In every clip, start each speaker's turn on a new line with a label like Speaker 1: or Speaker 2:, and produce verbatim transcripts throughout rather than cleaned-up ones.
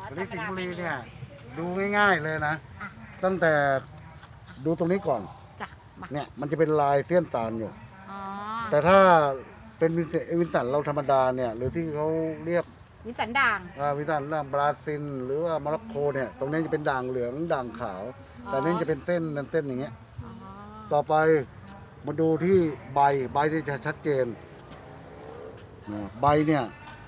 Speaker 1: ตอนนี้สิงห์บุรีเนี่ยดูง่ายๆเลยนะ ตั้งแต่ดูตรงนี้ก่อน
Speaker 2: จ้ะมา
Speaker 1: เนี่ยมันจะเป็นลายเสี้ยนตาลอยู่
Speaker 2: อ๋อ
Speaker 1: แต่ถ้าเป็นวินเซวินสันเราธรรมดาเนี่ยหรือที่เขาเรียก
Speaker 2: วินสันด่าง
Speaker 1: อ่าวินสันด่างบราซิล หรือว่าโมร็อกโกเนี่ยตรงนี้จะเป็นด่างเหลืองด่างขาว แต่นี่จะเป็นเส้นเส้นอย่างเงี้ย
Speaker 2: อ๋อ
Speaker 1: ต่อไปมาดูที่ใบใบที่จะชัดเจนนะใบเนี่ย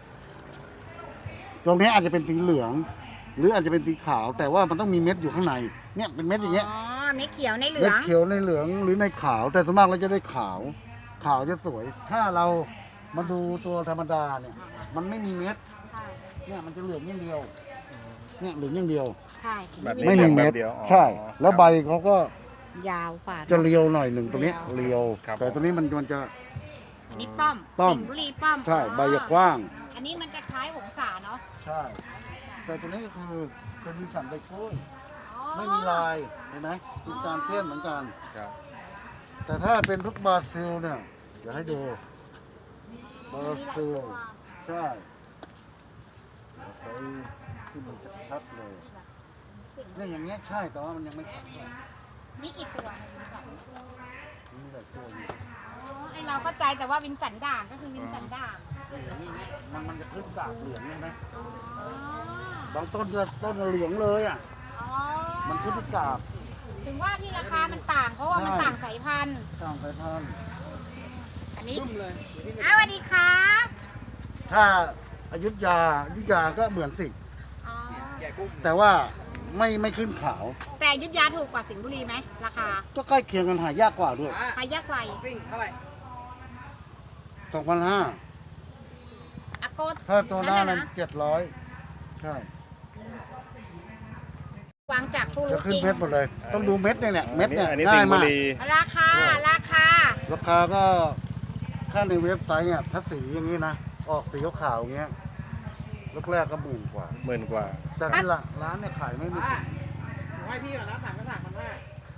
Speaker 1: ตรงนี้อาจจะเป็นสีเหลือง หรืออาจจะเป็นสีขาว แต่ว่ามันต้องมีเม็ดอยู่ข้างในเนี่ยเป็นเม็ดอย่างเงี้ย
Speaker 2: อ๋อเม็ดเขียวในเหลื
Speaker 1: เม็
Speaker 2: อ
Speaker 1: ด
Speaker 2: ง
Speaker 1: เขียวในเหลืองหรือในขาว แต่ส่วนมากเราจะได้ขาว ขาวจะสวย ถ้าเรามาดูตัวธรรมดาเนี่ย มันไม่มีเม็ด
Speaker 2: ใช่
Speaker 1: เนี่ยมันจะเหลืองอย่างเดียว เนี่ยเหลืองอย่างเดียว
Speaker 2: ใช่
Speaker 3: แบบนี้
Speaker 1: ไม่มีเม็ด
Speaker 3: แบบเดียวอ๋อ
Speaker 1: ใช่ แล้วใบเขาก็
Speaker 2: ยาวกว่า
Speaker 1: จะเรียวหน่อยหนึ่งตรงนี้
Speaker 2: เรียว
Speaker 1: เรียว
Speaker 3: ครับ
Speaker 1: แต่ตรงนี้มันมันจะ
Speaker 2: อันนี้ป้อม
Speaker 1: ป้อม
Speaker 2: สิงห์บุรีป้อม
Speaker 1: ใช่
Speaker 2: อ๋อ
Speaker 1: ใบจะกว้าง
Speaker 2: อันนี้มันจะคล้ายหงสาเนาะ
Speaker 1: ใช่ แต่ตัวนี้ก็คือเป็นวินสันใบกล้วย
Speaker 2: อ๋อ
Speaker 1: ไม่มีลายเห็นไหมมีการเส้นเหมือนกัน
Speaker 3: ครับ
Speaker 1: แต่ถ้าเป็นทุกบราซิลเนี่ยเดี๋ยวให้ดูบราซิลใช่เดี๋ยวไปที่มันจะชัดเลย
Speaker 2: สิงห์
Speaker 1: เนี่ยอย่างเงี้ยใช่แต่ว่ามันยังไม่ชัดเลย
Speaker 2: มีกี่ตัวในวินสัน
Speaker 1: มีหลายตัวอยู่
Speaker 2: อ๋อไอเราเข้าใจแต่ว่าวินสันด่างก็คือวินสันด่าง
Speaker 1: อย่างนี้เนี่ยมันมันจะขึ้นกาบเหลืองใช่ไหม
Speaker 2: อ๋อบ
Speaker 1: างต้นก็ต้นเหลืองเลยอ่ะ
Speaker 2: อ๋อ
Speaker 1: มันขึ้นที่กาบ
Speaker 2: ถึงว่าที่ราคามันต่างเพราะว่ามัน
Speaker 1: ใช่
Speaker 2: ต่างสายพันธุ์
Speaker 1: ต่างสายพันธุ์
Speaker 2: อันนี้อ้าวสวัสดีครับ
Speaker 1: ถ้าอยุธยาอยุธยาก็เหมือนสิงห์
Speaker 2: อ๋อ
Speaker 1: แต่ว่าไม่ไม่ขึ้นขาว
Speaker 2: แต่อยุธยาถูกกว่าสิงห์บุรีไหมราคา
Speaker 1: ก็ใกล้เคียงกันหายากกว่าด้วย
Speaker 2: ไปยากไกล
Speaker 4: ซิ่งเท่าไหร่
Speaker 1: สองพันห้า
Speaker 2: อาโกด
Speaker 1: ถ้าตัวหน้า
Speaker 2: ะ
Speaker 1: นั้นเจ็ดร้อยใช่
Speaker 2: วางจากผู้
Speaker 1: จะ
Speaker 2: รู้
Speaker 1: ขึ้
Speaker 2: จ
Speaker 1: น
Speaker 2: ริง
Speaker 1: เม็ดหมดเลย ต้องดูเม็ดเนี่ยเนี่ยเม็ดเนี่ย
Speaker 3: อันนี้
Speaker 1: ง่า
Speaker 3: สิ
Speaker 1: ย
Speaker 3: งห์บุ
Speaker 1: มาก
Speaker 3: รี
Speaker 2: ราคาราคา
Speaker 1: ราคาก็ค่าในเว็บไซต์เนี่ยถ้าสีอย่างนี้นะ ออกสีขาวๆอย่างเงี้ยแรกๆก็หมื่นกว่า
Speaker 3: หมื่นกว่า
Speaker 1: แต่ที่ละร้านเนี่ยขายไม่มี
Speaker 4: ป้าผมให้พี่ก่อนนะสามกระถางพันห้า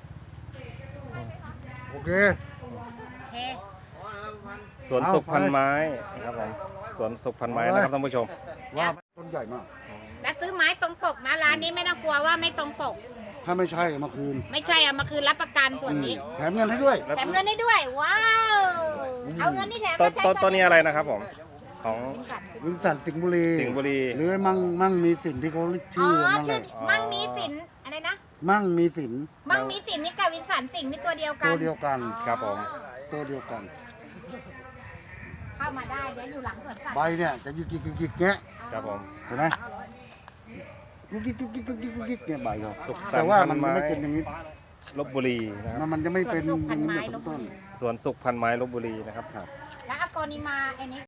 Speaker 1: โอเค
Speaker 2: โอเค
Speaker 4: อ๋อพัน
Speaker 3: สวนสุขพันไม้นะครับผมสวนสุขพันไม้นะครับท่านผู้ชม
Speaker 1: ว่าต้นใหญ่มาก
Speaker 2: แล้วซื้อไม้ตรงปกนะร้านนี้ไม่ต้องกลัวว่าไม่ตรงปก
Speaker 1: ถ้าไม่ใช่เอามาคืน
Speaker 2: ไม่ใช่เอามาคืนรับประกันส่วนนี้
Speaker 1: แถมเงินให้ด้วย
Speaker 2: แถมเงินได้ด้วย ว้าวเอาเงินที่แถม
Speaker 3: ต้
Speaker 2: มาน ใช้
Speaker 3: ต้นต้นนี้อะไรนะครับผม ของ
Speaker 2: วินสันสิ
Speaker 1: วินสันสิงห์บุรี
Speaker 3: สิงห์บุรี
Speaker 1: หรือมั่งมั่งมีสินที่เขาเรียก
Speaker 2: อ๋
Speaker 1: ชื่
Speaker 2: อ
Speaker 1: อนั่นแห
Speaker 2: ชื่อ
Speaker 1: ละ
Speaker 2: มั่งมีสินอะไรนะ
Speaker 1: มั่งมีสิน
Speaker 2: มั่งมีสินนี่กับวินสันสิงห์นี่ตัวเดียวกั
Speaker 1: ตั
Speaker 2: น
Speaker 1: วเดียวกัน
Speaker 3: ครับผม
Speaker 1: ตัวเดียวกัน
Speaker 2: เข้ามาได้เดี๋ยวอยู่หลังสวนสัตว์
Speaker 1: ใบเนี่ยจะยิกยิกยิกยิกเงี้ย
Speaker 3: ครับผม
Speaker 1: เห็นไหมยิกยิกยิกยิกยิกยิกยิกเนี่ยใบเขา
Speaker 3: สุขสันต์
Speaker 1: แต่ว่ามัน
Speaker 3: พันไม้
Speaker 1: ไม่เป็นอย่างนี้
Speaker 3: ลบบุรีนะครับ
Speaker 1: มันมันจะไม่เป็น
Speaker 2: สวนสุข
Speaker 1: อ
Speaker 2: พั
Speaker 1: ย่านงนี้
Speaker 2: ไม้
Speaker 1: เหมือน
Speaker 2: ลบบุ
Speaker 1: ต้น
Speaker 2: รี
Speaker 3: สวนสุขพันไม้ลบบุรีนะครับ
Speaker 1: ครับ
Speaker 2: แล้วอากรนิมาอันนี้